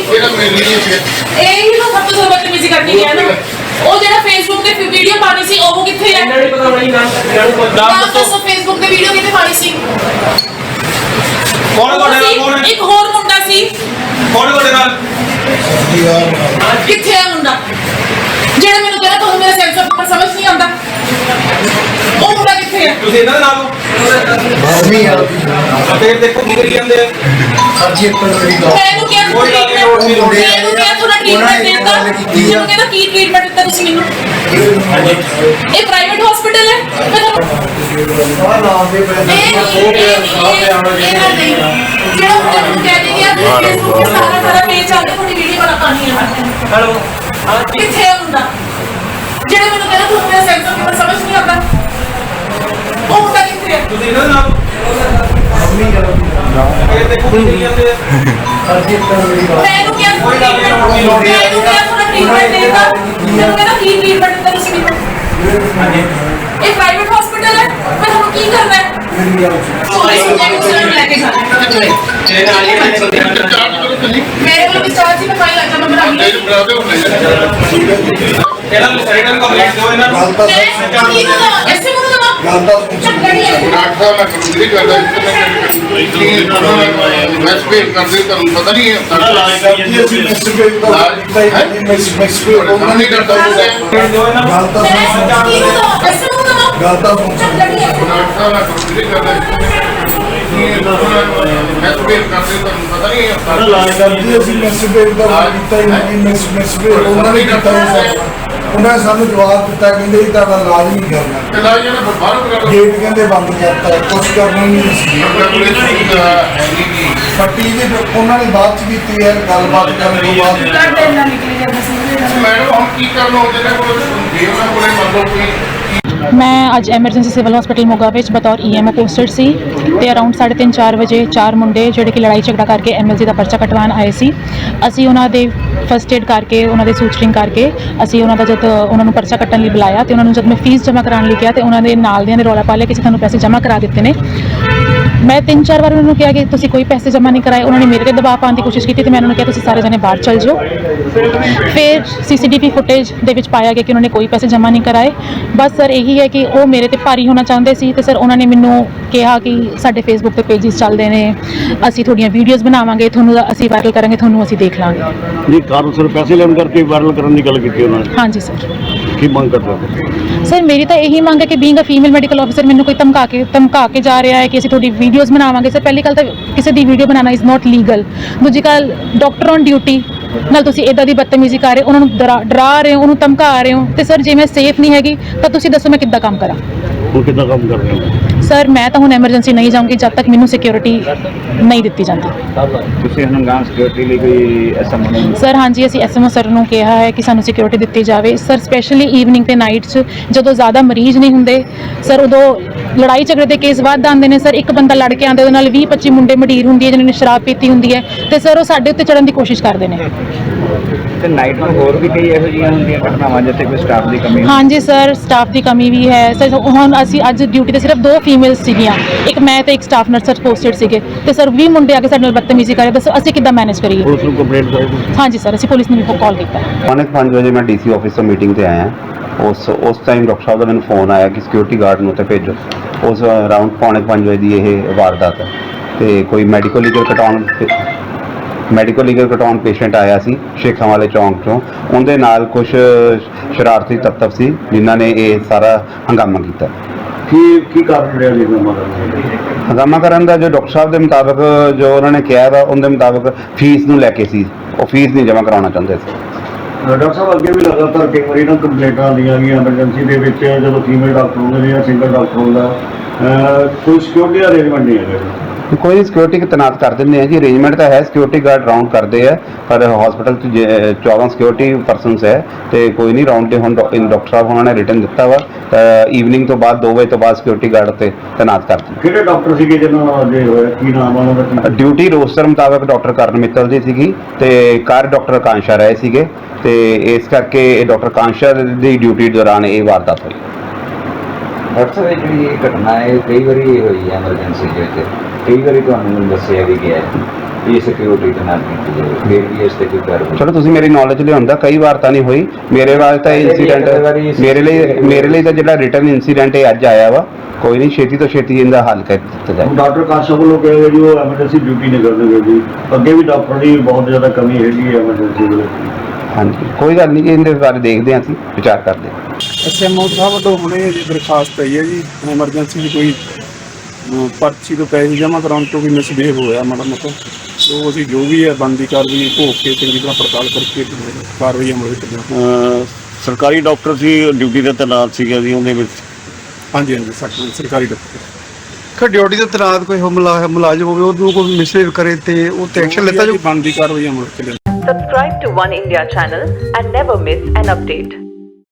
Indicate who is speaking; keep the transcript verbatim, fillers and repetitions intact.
Speaker 1: ਇਹਦਾ ਮੈਨੂੰ ਨਹੀਂ ਸੀ
Speaker 2: ਇਹ ਹੀ ਤਾਂ ਸਭ ਤੋਂ ਜ਼ਿਆਦਾ ਬਦਤਮੀਜ਼ੀ ਕਰਕੇ ਗਿਆ ਨਾ। ਉਹ ਜਿਹੜਾ ਫੇਸਬੁੱਕ ਤੇ ਵੀਡੀਓ ਪਾਣੀ ਸੀ ਉਹ ਕਿੱਥੇ ਹੈ?
Speaker 3: ਇਹਨਾਂ ਨੂੰ ਪਤਾ ਨਹੀਂ ਨਾਮ
Speaker 2: ਨਾਮ ਦੱਸੋ। ਫੇਸਬੁੱਕ ਤੇ ਵੀਡੀਓ ਕਿੱਥੇ ਪਾਣੀ ਸੀ?
Speaker 3: ਕੌਣ ਤੁਹਾਡੇ ਨਾਲ ਕੌਣ ਹੈ?
Speaker 2: ਇੱਕ ਹੋਰ ਮੁੰਡਾ ਸੀ।
Speaker 3: ਕੌਣ ਤੁਹਾਡੇ ਨਾਲ?
Speaker 2: ਕਿੱਥੇ ਹੈ ਮੁੰਡਾ ਜਿਹੜਾ ਮੈਨੂੰ ਕਹਿੰਦਾ ਤੁਹਾਨੂੰ ਮੇਰਾ ਸੈਂਸ ਆਫ ਸਮਝ ਨਹੀਂ ਆਉਂਦਾ? ਉਹ ਮੁੰਡਾ ਕਿੱਥੇ ਹੈ?
Speaker 3: ਤੁਸੀਂ ਇਹਨਾਂ ਦੇ ਨਾਲ ਹੋ?
Speaker 1: ਨਹੀਂ ਯਾਰ
Speaker 3: ਫਿਰ ਦੇਖੋ ਕੀ ਕਰੀ ਜਾਂਦੇ ਆ।
Speaker 1: ਅੱਜ ਇੱਕ ਮੇਰੀ ਗੱਲ
Speaker 2: ਮੈਨੂੰ ਕਿਹਾ
Speaker 3: ਕੋਈ ਗੱਲ ਨਹੀਂ, ਕੋਈ
Speaker 2: ਮੈਨੂੰ
Speaker 3: ਗੱਲ ਨਹੀਂ।
Speaker 2: ਕਿਹਾ ਤੁਹਾਡਾ ਟ੍ਰੀਟਮੈਂਟ ਦਿੱਤਾ। ਮੈਨੂੰ ਕਹਿੰਦਾ ਕੀ ਟ੍ਰੀਟਮੈਂਟ ਦਿੱਤਾ ਤੁਸੀਂ ਮੈਨੂੰ? ਇਹ ਪ੍ਰਾਈਵੇਟ ਹਸਪੀਟਲ ਹੈ। ਮੈਂ ਤੁਹਾਨੂੰ
Speaker 1: ਆ ਨਾਮ ਦੇ ਬ੍ਰਾਂਡ
Speaker 2: ਇਹ ਨਹੀਂ ਇਹ ਨਹੀਂ ਇਹ ਨਹੀਂ ਜਿਹੜਾ ਮੁੰਡਾ ਮੈਨੂੰ ਕਹਿ ਦੇ ਗਿਆ ਫੇਸਬੁੱਕ ਤੇ ਸਾਰਾ ਸਾਰਾ ਪੇਜ ਚੱਲਦਾ ਤੁਹਾਡੀ ਵੀਡੀਓ ਵਾਲਾ ਪਾਣੀ ਹੈ।
Speaker 3: ਹੈਲੋ ਹਾਂ
Speaker 2: ਕਿੱਥੇ ਹੈ ਮੁੰਡਾ ਜਿਹੜਾ ਮੈਨੂੰ ਕਹਿੰਦਾ ਤੁਹਾਨੂੰ ਮੇਰਾ ਸੈਂਸ ਆਫ ਸਮਝ ਨਹੀਂ ਆਉਂਦਾ? ਉਹ ਮੁੰਡਾ ਕਿੱਥੇ ਹੈ?
Speaker 3: ਤੁਸੀਂ ਇਹਨਾਂ ਦੇ ਨਾਲ ਫਿਰ ਦੇਖੋ ਕੀ ਕਰੀ ਜਾਂਦੇ ਆ।
Speaker 1: ਅੱਜ ਇੱਕ ਮੇਰੀ ਗੱਲ
Speaker 2: ਮੈਨੂੰ ਕਿਹਾ ਕੋਈ ਗੱਲ ਨਹੀਂ ਮੈਨੂੰ ਕਿਹਾ ਤੁਹਾਡਾ ਟ੍ਰੀਟਮੈਂਟ ਦਿੱਤਾ। ਮੈਨੂੰ ਕਹਿੰਦਾ ਕੀ ਟ੍ਰੀਟਮੈਂਟ ਦਿੱਤਾ ਤੁਸੀਂ ਮੈਨੂੰ? ਇਹ ਪ੍ਰਾਈਵੇਟ ਹਸਪੀਟਲ ਹੈ। ਮੈਂ ਤੁਹਾਨੂੰ ਕੀ ਕਰਨਾ ਹੈ?
Speaker 1: ਮੇਰੀ ਗੱਲ
Speaker 2: ਪੁਲਿਸ ਨੂੰ ਲੈ ਕੇ ਜਾਣਾ।
Speaker 3: ਜਿਹੜੇ ਨਾਲ ਹੀ ਨੇ ਬੰਦੇ ਨਾਲ
Speaker 1: ਚਾਰਜ ਕਰੋ ਤੁਸੀਂ
Speaker 2: ਮੇਰੇ ਕੋਲ ਵੀ ਚਾਰਜ ਹੀ ਮੈਂ ਫਾਈਲ ਅੱਜ ਮੈਂ ਬਣਾ ਲਈ।
Speaker 1: ਇਹ ਬਣਾ ਦਿਓ
Speaker 3: ਇਹਨਾਂ ਨੂੰ ਰਿਟਰਨ ਕੰਪਲੀਟ ਦਿਓ ਇਹਨਾਂ ਨੂੰ।
Speaker 1: ਗੱਲ ਤਾਂ
Speaker 2: ਮੈਂ ਕੀ ਕਰਾਂ? ਐਸੇ ਨੂੰ ਦਵਾ
Speaker 1: ਗੱਲ ਤਾਂ
Speaker 2: ਚੱਕੜੀ ਹੈ।
Speaker 1: ਡਾਕਟਰ ਸਾਹਿਬ ਮੈਂ ਕੰਪਨੀ ਕਰਦਾ ਇਸ ਤੇ ਕਰਦੇ ਤੁਹਾਨੂੰ ਪਤਾ ਨਹੀਂ ਹੈ ਸਾਡਾ
Speaker 4: ਜੀ ਅਸੀਂ ਮਿਸਟਰ ਪੇਜ ਦਾ ਮਿਸਟਰ
Speaker 1: ਉਹਨਾਂ ਨਹੀਂ ਕਰਦਾ
Speaker 3: ਦਿਓ ਇਹਨਾਂ ਨੂੰ।
Speaker 4: ਗੱਲ ਤਾਂ
Speaker 2: ਮੈਂ ਕੀ ਦਵਾ? ਐਸੇ ਨੂੰ ਦਵਾ
Speaker 4: ਗੱਲ ਤਾਂ
Speaker 2: ਚੱਕੜੀ ਹੈ।
Speaker 1: ਡਾਕਟਰ ਸਾਹਿਬ ਮੈਂ ਕੰਪਨੀ ਕਰਦਾ ਇਸ ਤੇ ਕਰਦੇ ਤੁਹਾਨੂੰ ਪਤਾ ਨਹੀਂ ਹੈ ਸਾਡਾ
Speaker 4: ਜੀ ਅਸੀਂ ਮਿਸਟਰ ਪੇਜ ਦਾ ਕੀਤਾ ਹੀ ਨਹੀਂ ਮਿਸਟਰ ਪੇਜ ਉਹਨਾਂ ਨੇ ਕੀਤਾ ਹੀ ਉਹਨਾਂ ਨੇ ਸਾਨੂੰ ਜਵਾਬ ਦਿੱਤਾ ਕਹਿੰਦੇ ਜੀ ਤੁਹਾਡਾ ਇਲਾਜ ਨਹੀਂ ਕਰਨਾ
Speaker 1: ਇਲਾਜ ਇਹਨਾਂ ਨੂੰ ਬਾਹਰ ਕਰਾ ਲਓ
Speaker 4: ਗੇਟ ਕਹਿੰਦੇ ਬੰਦ ਕਰਤਾ ਕੁਛ ਕਰਨਾ ਨਹੀਂ ਸੀ ਪੱਟੀ ਜੀ ਉਹਨਾਂ ਨੇ ਬਾਤ ਚ ਕੀਤੀ ਹੈ ਗੱਲਬਾਤ ਕਰਨ ਤੋਂ ਬਾਅਦ
Speaker 2: ਕੱਢ ਇੰਨਾ ਨਿਕਲੀ ਜਾਂਦਾ ਸੀ।
Speaker 1: ਮੈਡਮ ਹੁਣ ਕੀ ਕਰਨਾ ਹੁੰਦੇ ਨੇ ਕੋਲ ਜੇ ਉਹਨਾਂ ਕੋਲੇ ਮੰਨ ਲਓ ਕੋਈ
Speaker 5: ਮੈਂ ਅੱਜ ਐਮਰਜੈਂਸੀ ਸਿਵਲ ਹਸਪੀਟਲ ਮੋਗਾ ਵਿੱਚ ਬਤੌਰ ਈਐਮਓ ਪੋਸਟਡ ਸੀ ਤੇ ਅਰਾਊਂਡ ਸਾਢੇ ਤਿੰਨ ਚਾਰ ਵਜੇ ਚਾਰ ਮੁੰਡੇ ਜਿਹੜੇ ਕਿ ਲੜਾਈ ਝਗੜਾ ਕਰਕੇ ਐਮਐਲਸੀ ਦਾ ਪਰਚਾ ਕਟਵਾਉਣ ਆਏ ਸੀ। ਅਸੀਂ ਉਹਨਾਂ ਦੇ ਫਸਟ ਏਡ ਕਰਕੇ ਉਹਨਾਂ ਦੇ ਸੂਚਰਿੰਗ ਕਰਕੇ ਅਸੀਂ ਉਹਨਾਂ ਦਾ ਜਦ ਉਹਨਾਂ ਨੂੰ ਪਰਚਾ ਕੱਟਣ ਲਈ ਬੁਲਾਇਆ ਤੇ ਉਹਨਾਂ ਨੂੰ ਜਦ ਮੈਂ ਫੀਸ ਜਮ੍ਹਾਂ ਕਰਾਉਣ ਲਈ ਕਿਹਾ ਤੇ ਉਹਨਾਂ ਦੇ ਨਾਲ ਦਿਆਂ ਨੇ ਰੌਲਾ ਪਾ ਲਿਆ ਕਿ ਅਸੀਂ ਤੁਹਾਨੂੰ ਪੈਸੇ ਜਮ੍ਹਾਂ ਕਰਾ ਦਿੱਤੇ ਨੇ। ਮੈਂ ਤਿੰਨ ਚਾਰ ਵਾਰ ਉਹਨਾਂ ਨੂੰ ਕਿਹਾ ਕਿ ਤੁਸੀਂ ਕੋਈ ਪੈਸੇ ਜਮ੍ਹਾਂ ਨਹੀਂ ਕਰਾਏ। ਉਹਨਾਂ ਨੇ ਮੇਰੇ ਤੇ ਦਬਾਅ ਪਾਉਣ ਦੀ ਕੋਸ਼ਿਸ਼ ਕੀਤੀ ਤੇ ਮੈਂ ਉਹਨਾਂ ਨੂੰ ਕਿਹਾ ਤੁਸੀਂ ਸਾਰੇ ਜਣੇ ਬਾਹਰ ਚੱਲ ਜਾਓ। ਫਿਰ ਸੀਸੀਟੀਵੀ ਫੁਟੇਜ ਦੇ ਵਿੱਚ ਪਾਇਆ ਗਿਆ ਕਿ ਉਹਨਾਂ ਨੇ ਕੋਈ ਪੈਸੇ ਜਮ੍ਹਾਂ ਨਹੀਂ ਕਰਾਏ। ਬਸ ਸਰ ਇਹੀ ਹੈ ਕਿ ਉਹ ਮੇਰੇ ਤੇ ਭਾਰੀ ਹੋਣਾ ਚਾਹੁੰਦੇ ਸੀ ਤੇ ਸਰ ਉਹਨਾਂ ਨੇ ਮੈਨੂੰ ਕਿਹਾ ਕਿ ਸਾਡੇ ਫੇਸਬੁੱਕ ਤੇ ਪੇਜਿਸ ਚੱਲਦੇ ਨੇ, ਅਸੀਂ ਤੁਹਾਡੀਆਂ ਵੀਡੀਓਜ਼ ਬਣਾਵਾਂਗੇ, ਤੁਹਾਨੂੰ ਅਸੀਂ ਵਾਇਰਲ ਕਰਾਂਗੇ, ਤੁਹਾਨੂੰ ਅਸੀਂ ਦੇਖ ਲਾਂਗੇ।
Speaker 6: ਜੀ ਕਾਰਨ ਸਰ ਪੈਸੇ ਲੈਣ ਕਰਕੇ ਵਾਇਰਲ ਕਰਨ ਦੀ ਗੱਲ ਕੀਤੀ ਉਹਨਾਂ ਨੇ।
Speaker 5: ਹਾਂਜੀ ਸਰ।
Speaker 6: ਕੀ ਮੰਗ ਕਰਦੇ
Speaker 5: ਸਰ ਮੇਰੀ ਤਾਂ ਇਹੀ ਮੰਗ ਹੈ ਕਿ being a female medical officer ਮੈਨੂੰ ਕੋਈ ਧਮਕਾ ਕੇ ਧਮਕਾ ਕੇ ਜਾ ਰਿਹਾ ਹੈ ਕਿ ਅਸੀਂ ਤੁਹਾਡੀ ਵੀਡੀਓਜ਼ ਬਣਾਵਾਂਗੇ। ਸਰ ਪਹਿਲੀ ਗੱਲ ਤਾਂ ਕਿਸੇ ਦੀ ਵੀਡੀਓ ਬਣਾਉਣਾ ਇਜ਼ ਨਾਟ ਲੀਗਲ। ਦੂਜੀ ਗੱਲ ਡਾਕਟਰ ਔਨ ਡਿਊਟੀ ਨਾਲ ਤੁਸੀਂ ਇੱਦਾਂ ਦੀ ਬਦਤਮੀਜ਼ੀ ਕਰ ਰਹੇ ਹੋ, ਉਹਨਾਂ ਨੂੰ ਡਰਾ ਡਰਾ ਰਹੇ ਹੋ, ਉਹਨੂੰ ਧਮਕਾ ਰਹੇ ਹੋ ਤੇ ਸਰ ਜੇ ਮੈਂ ਸੇਫ ਨਹੀਂ ਹੈਗੀ ਤਾਂ ਤੁਸੀਂ ਦੱਸੋ ਮੈਂ ਕਿੱਦਾਂ ਕੰਮ ਕਰਾਂ?
Speaker 6: ਹੁਣ ਕਿੱਦਾਂ ਕੰਮ ਕਰ ਰਹੇ ਹੋ?
Speaker 5: ਸਰ ਮੈਂ ਤਾਂ ਹੁਣ ਐਮਰਜੈਂਸੀ ਨਹੀਂ ਜਾਊਂਗੀ ਜਦ ਤੱਕ ਮੈਨੂੰ ਸਿਕਿਉਰਿਟੀ ਨਹੀਂ ਦਿੱਤੀ ਜਾਂਦੀ।
Speaker 6: ਤੁਸੀਂ ਹਨਗਾਮ ਸਿਕਿਉਰਿਟੀ ਲਈ ਕੋਈ ਐਸਐਮਓ?
Speaker 5: ਸਰ ਹਾਂਜੀ ਅਸੀਂ ਐਸਐਮਓ ਸਰ ਨੂੰ ਕਿਹਾ ਹੈ ਕਿ ਸਾਨੂੰ ਸਿਕਿਉਰਿਟੀ ਦਿੱਤੀ ਜਾਵੇ। ਸਰ ਸਪੈਸ਼ਲੀ ਈਵਨਿੰਗ ਤੇ ਨਾਈਟ 'ਚ ਜਦੋਂ ਜ਼ਿਆਦਾ ਮਰੀਜ਼ ਨਹੀਂ ਹੁੰਦੇ ਸਰ ਉਦੋਂ ਲੜਾਈ ਝਗੜੇ ਦੇ ਕੇਸ ਵੱਧ ਆਉਂਦੇ ਨੇ। ਸਰ ਇੱਕ ਬੰਦਾ ਲੜ ਕੇ ਆਉਂਦੇ ਉਹਦੇ ਨਾਲ ਵੀਹ ਪੱਚੀ ਮੁੰਡੇ ਮਡੀਰ ਹੁੰਦੀ ਹੈ ਜਿਹਨਾਂ ਨੇ ਸ਼ਰਾਬ ਪੀਤੀ ਹੁੰਦੀ ਹੈ ਤੇ ਸਰ ਉਹ ਸਾਡੇ ਉੱਤੇ ਚੜ੍ਹਨ ਦੀ ਕੋਸ਼ਿਸ਼ ਕਰਦੇ ਨੇ।
Speaker 6: ਤੇ ਨਾਈਟ ਨੂੰ ਹੋਰ ਵੀ ਕਈ ਇਹੋ ਜਿਹੀਆਂ ਹੁੰਦੀਆਂ ਘਟਨਾਵਾਂ ਜਿੱਥੇ ਕੋਈ ਸਟਾਫ ਦੀ ਕਮੀ?
Speaker 5: ਹਾਂਜੀ ਸਰ ਸਟਾਫ ਦੀ ਕਮੀ ਵੀ ਹੈ ਸਰ। ਹੁਣ ਅਸੀਂ ਅੱਜ ਡਿਊਟੀ ਤੇ ਸਿਰਫ ਦੋ ਫੀਮੇਲਸ ਸੀਗੀਆਂ, ਇੱਕ ਮੈਂ ਤੇ ਇੱਕ ਸਟਾਫ ਨਰਸ ਪੋਸਟਡ ਸੀਗੇ ਤੇ ਸਰ ਵੀਹ ਮੁੰਡੇ ਆ ਕੇ ਸਾਡੇ ਨਾਲ ਬਦਤਮੀਜ਼ੀ ਕਰੇ। ਦੱਸੋ ਅਸੀਂ ਕਿੱਦਾਂ ਮੈਨੇਜ ਕਰੀਏ?
Speaker 6: ਪੁਲਿਸ ਨੂੰ ਕੰਪਲੇਂਟ ਕਰਾਈ?
Speaker 5: ਹਾਂਜੀ ਸਰ ਅਸੀਂ ਪੁਲਿਸ ਨੂੰ ਵੀ ਕਾਲ ਕੀਤਾ।
Speaker 7: ਪੌਣੇ ਪੰਜ ਵਜੇ ਮੈਂ ਡੀਸੀ ਆਫਿਸ ਤੋਂ ਮੀਟਿੰਗ ਤੇ ਆਇਆ। ਉਸ ਉਸ ਟਾਈਮ ਡਾਕਟਰ ਸਾਹਿਬ ਦਾ ਮੈਨੂੰ ਫੋਨ ਆਇਆ ਕਿ ਸਿਕਿਉਰਿਟੀ ਗਾਰਡ ਨੂੰ ਤੇ ਭੇਜੋ। ਉਸ ਅਰਾਊਂਡ ਪੌਣੇ ਪੰਜ ਵਜੇ ਦੀ ਇਹ ਵਾਰਦਾਤ ਹੈ ਤੇ ਕੋਈ ਮੈਡੀਕਲ ਲੀਗਲ ਕਟਾਉਣ ਮੈਡੀਕਲ ਲੀਗਲ ਕਟਾਉਣ ਪੇਸ਼ੈਂਟ ਆਇਆ ਸੀ ਸ਼ੇਖਾਂ ਵਾਲੇ ਚੌਂਕ ਤੋਂ। ਉਹਦੇ ਨਾਲ ਕੁਝ ਸ਼ਰਾਰਤੀ ਤੱਤਵ ਸੀ ਜਿਨ੍ਹਾਂ ਨੇ ਇਹ ਸਾਰਾ ਹੰਗਾਮਾ ਕੀਤਾ।
Speaker 6: ਕੀ ਕੀ ਕਾਰਨ ਰਿਹਾ ਜੀ ਹੰਗਾਮਾ ਕਰਨ ਦਾ?
Speaker 7: ਹੰਗਾਮਾ ਕਰਨ ਦਾ ਜੋ ਡਾਕਟਰ ਸਾਹਿਬ ਦੇ ਮੁਤਾਬਕ ਜੋ ਉਹਨਾਂ ਨੇ ਕਿਹਾ ਵਾ ਉਹਦੇ ਮੁਤਾਬਕ ਫੀਸ ਨੂੰ ਲੈ ਕੇ ਸੀ। ਉਹ ਫੀਸ ਨਹੀਂ ਜਮ੍ਹਾਂ ਕਰਾਉਣਾ ਚਾਹੁੰਦੇ ਸੀ।
Speaker 6: ਡਾਕਟਰ ਸਾਹਿਬ ਅੱਗੇ ਵੀ ਲਗਾਤਾਰ ਕਈ ਵਾਰੀ ਨਾ ਕੰਪਲੇਂਟਾਂ ਆਉਂਦੀਆਂ ਗਈਆਂ ਐਮਰਜੈਂਸੀ ਦੇ ਵਿੱਚ ਜਦੋਂ ਫੀਮੇਲ ਡਾਕਟਰ ਹੁੰਦੇ ਨੇ ਜਾਂ ਸਿੰਗਲ ਡਾਕਟਰ ਹੁੰਦਾ ਕੋਈ ਸਿਕਿਉਰਿਟੀ ਅਰੇਂਜਮੈਂਟ ਨਹੀਂ ਹੈਗਾ।
Speaker 7: ਕੋਈ ਸਿਕਿਉਰਿਟੀ ਤੈਨਾਤ ਕਰ ਦਿੰਦੇ ਆ ਜੀ। ਅਰੇਂਜਮੈਂਟ ਤਾਂ ਹੈ, ਸਿਕਿਉਰਿਟੀ ਗਾਰਡ ਰਾਉਂਡ ਕਰਦੇ ਆ ਪਰ ਹਸਪੀਟਲ 'ਚ ਚੌਦਾਂ ਸਿਕਿਉਰਿਟੀ ਪਰਸਨਸ ਹੈ ਤੇ ਕੋਈ ਨਹੀਂ ਰਾਉਂਡ 'ਤੇ ਹੁਣ ਡਾਕਟਰ ਸਾਹਿਬ ਉਹਨਾਂ ਨੇ ਰਿਟਨ ਦਿੱਤਾ ਵਾ ਈਵਨਿੰਗ ਤੋਂ ਬਾਅਦ ਦੋ ਵਜੇ ਤੋਂ ਬਾਅਦ ਸਿਕਿਉਰਿਟੀ ਗਾਰਡ ਤੇ ਤੈਨਾਤ ਕਰ ਦਿੱਤੇ।
Speaker 6: ਕਿਹੜੇ ਡਾਕਟਰ ਸੀਗੇ ਜਿਹਨਾਂ ਦੇ ਹੋਇਆ ਕੀ ਨਾਮ ਆ ਉਹਨਾਂ ਦਾ?
Speaker 7: ਡਿਊਟੀ ਰੋਸਟਰ ਮੁਤਾਬਕ ਡਾਕਟਰ ਕਰਨ ਮਿੱਤਲ ਦੀ ਸੀਗੀ ਤੇ ਕਾਰ ਡਾਕਟਰ ਕਾਂਸ਼ਾ ਰਹੇ ਸੀਗੇ ਤੇ ਇਸ ਕਰਕੇ ਇਹ ਡਾਕਟਰ ਕਾਂਸ਼ਾ ਦੀ ਡਿਊਟੀ ਦੌਰਾਨ ਇਹ ਵਾਰਦਾਤ ਹੋਈ।
Speaker 8: ਡਾਕਟਰ ਸਾਹਿਬ ਜਿਹੜੀ ਇਹ ਘਟਨਾ ਹੈ ਕਈ ਵਾਰੀ ਹੋਈ ਹੈ ਐਮਰਜੈਂਸੀ ਦੇ ਵਿੱਚ, ਕਈ ਵਾਰੀ ਤੁਹਾਨੂੰ ਦੱਸਿਆ ਵੀ ਗਿਆ ਇਹ ਸਿਕਿਉਰਿਟੀ ਦੇ ਨਾਲ ਕੀਤੀ ਜਾਵੇ ਫਿਰ ਵੀ ਇਸ ਤੇ ਕੋਈ ਕਾਰਵਾਈ
Speaker 7: ਚਲੋ ਤੁਸੀਂ ਮੇਰੀ ਨੌਲੇਜ ਲਿਆਉਂਦਾ ਕਈ ਵਾਰ ਤਾਂ ਨਹੀਂ ਹੋਈ ਮੇਰੇ ਵਾਰ ਤਾਂ
Speaker 8: ਪਹਿਲੇ ਵੀ ਇੱਕ
Speaker 7: ਇਨਸੀਡੈਂਟ
Speaker 8: ਵਾਰੀ
Speaker 7: ਮੇਰੇ ਲਈ ਮੇਰੇ ਲਈ ਤਾਂ ਜਿਹੜਾ ਰਿਟਰਨ ਇਨਸੀਡੈਂਟ ਇਹ ਅੱਜ ਆਇਆ ਵਾ ਕੋਈ ਨਹੀਂ ਛੇਤੀ ਤੋਂ ਛੇਤੀ ਇਹਦਾ ਹੱਲ ਕਰ ਦਿੱਤਾ ਜਾਏ।
Speaker 6: ਡਾਕਟਰ ਕਾਸ਼ਾ ਵੱਲੋਂ ਕਿਹਾ ਗਿਆ ਜੀ ਉਹ ਐਮਰਜੈਂਸੀ ਡਿਊਟੀ ਨਹੀਂ ਕਰਨਗੇ ਜੀ, ਅੱਗੇ ਵੀ ਡਾਕਟਰ ਦੀ ਬਹੁਤ ਜ਼ਿਆਦਾ ਕਮੀ ਹੈਗੀ ਹੈ ਐਮਰਜੈਂਸੀ ਦੇ ਵਿੱਚ।
Speaker 7: ਹਾਂਜੀ ਕੋਈ ਗੱਲ ਨਹੀਂ ਇਹਦੇ ਬਾਰੇ ਦੇਖਦੇ ਹਾਂ ਅਸੀਂ ਵਿਚਾਰ ਕਰਦੇ ਹਾਂ।
Speaker 9: ਐਸਐਮਓ ਸਾਹਿਬ ਵੱਲੋਂ ਹੁਣੇ ਜੀ ਦਰਖਾਸਤ ਆਈ ਹੈ ਜੀ ਐਮਰਜੈਂਸੀ ਦੀ ਕੋਈ ਅਮ, ਪਰਚੀ ਤੋਂ ਪੈਸੇ ਜਮ੍ਹਾਂ ਕਰਾਉਣ ਤੋਂ ਵੀ ਮਿਸਬਿਹੇਵ ਹੋਇਆ ਮਾੜਾ ਮੋਟਾ, ਸੋ ਅਸੀਂ ਜੋ ਵੀ ਹੈ ਬਣਦੀ ਕਾਰਵਾਈ ਭੋਗ ਕੇ ਚੰਗੀ ਤਰ੍ਹਾਂ ਪੜਤਾਲ ਕਰਕੇ ਕਾਰਵਾਈ ਅਮਲ ਵਿੱਚ ਲਿਆਵਾਂਗੇ।
Speaker 6: ਸਰਕਾਰੀ ਡਾਕਟਰ ਸੀ ਡਿਊਟੀ ਤੇ ਤੈਨਾਤ ਸੀਗਾ ਜੀ ਉਹਦੇ ਵਿੱਚ।
Speaker 9: ਹਾਂਜੀ ਹਾਂਜੀ ਸਰ- ਸਰਕਾਰੀ ਡਾਕਟਰ
Speaker 10: ਕਿ ਡਿਊਟੀ ਤੇ ਤੈਨਾਤ ਕੋਈ ਹਮਲਾ ਮੁਲਾਜ਼ਮ ਹੋਵੇ ਉਹਨੂੰ ਕੋਈ ਮਿਸਬਿਹੇਵ ਕਰੇ ਤੇ ਉਹ ਤੇ ਐਕਸ਼ਨ ਲਿੱਤਾ ਜਾਊ।
Speaker 9: ਬਣਦੀ ਕਾਰਵਾਈ ਅਮਲ ਵਿੱਚ ਲਿਆਵਾਂਗੇ।
Speaker 11: Subscribe to One India channel and never miss an update.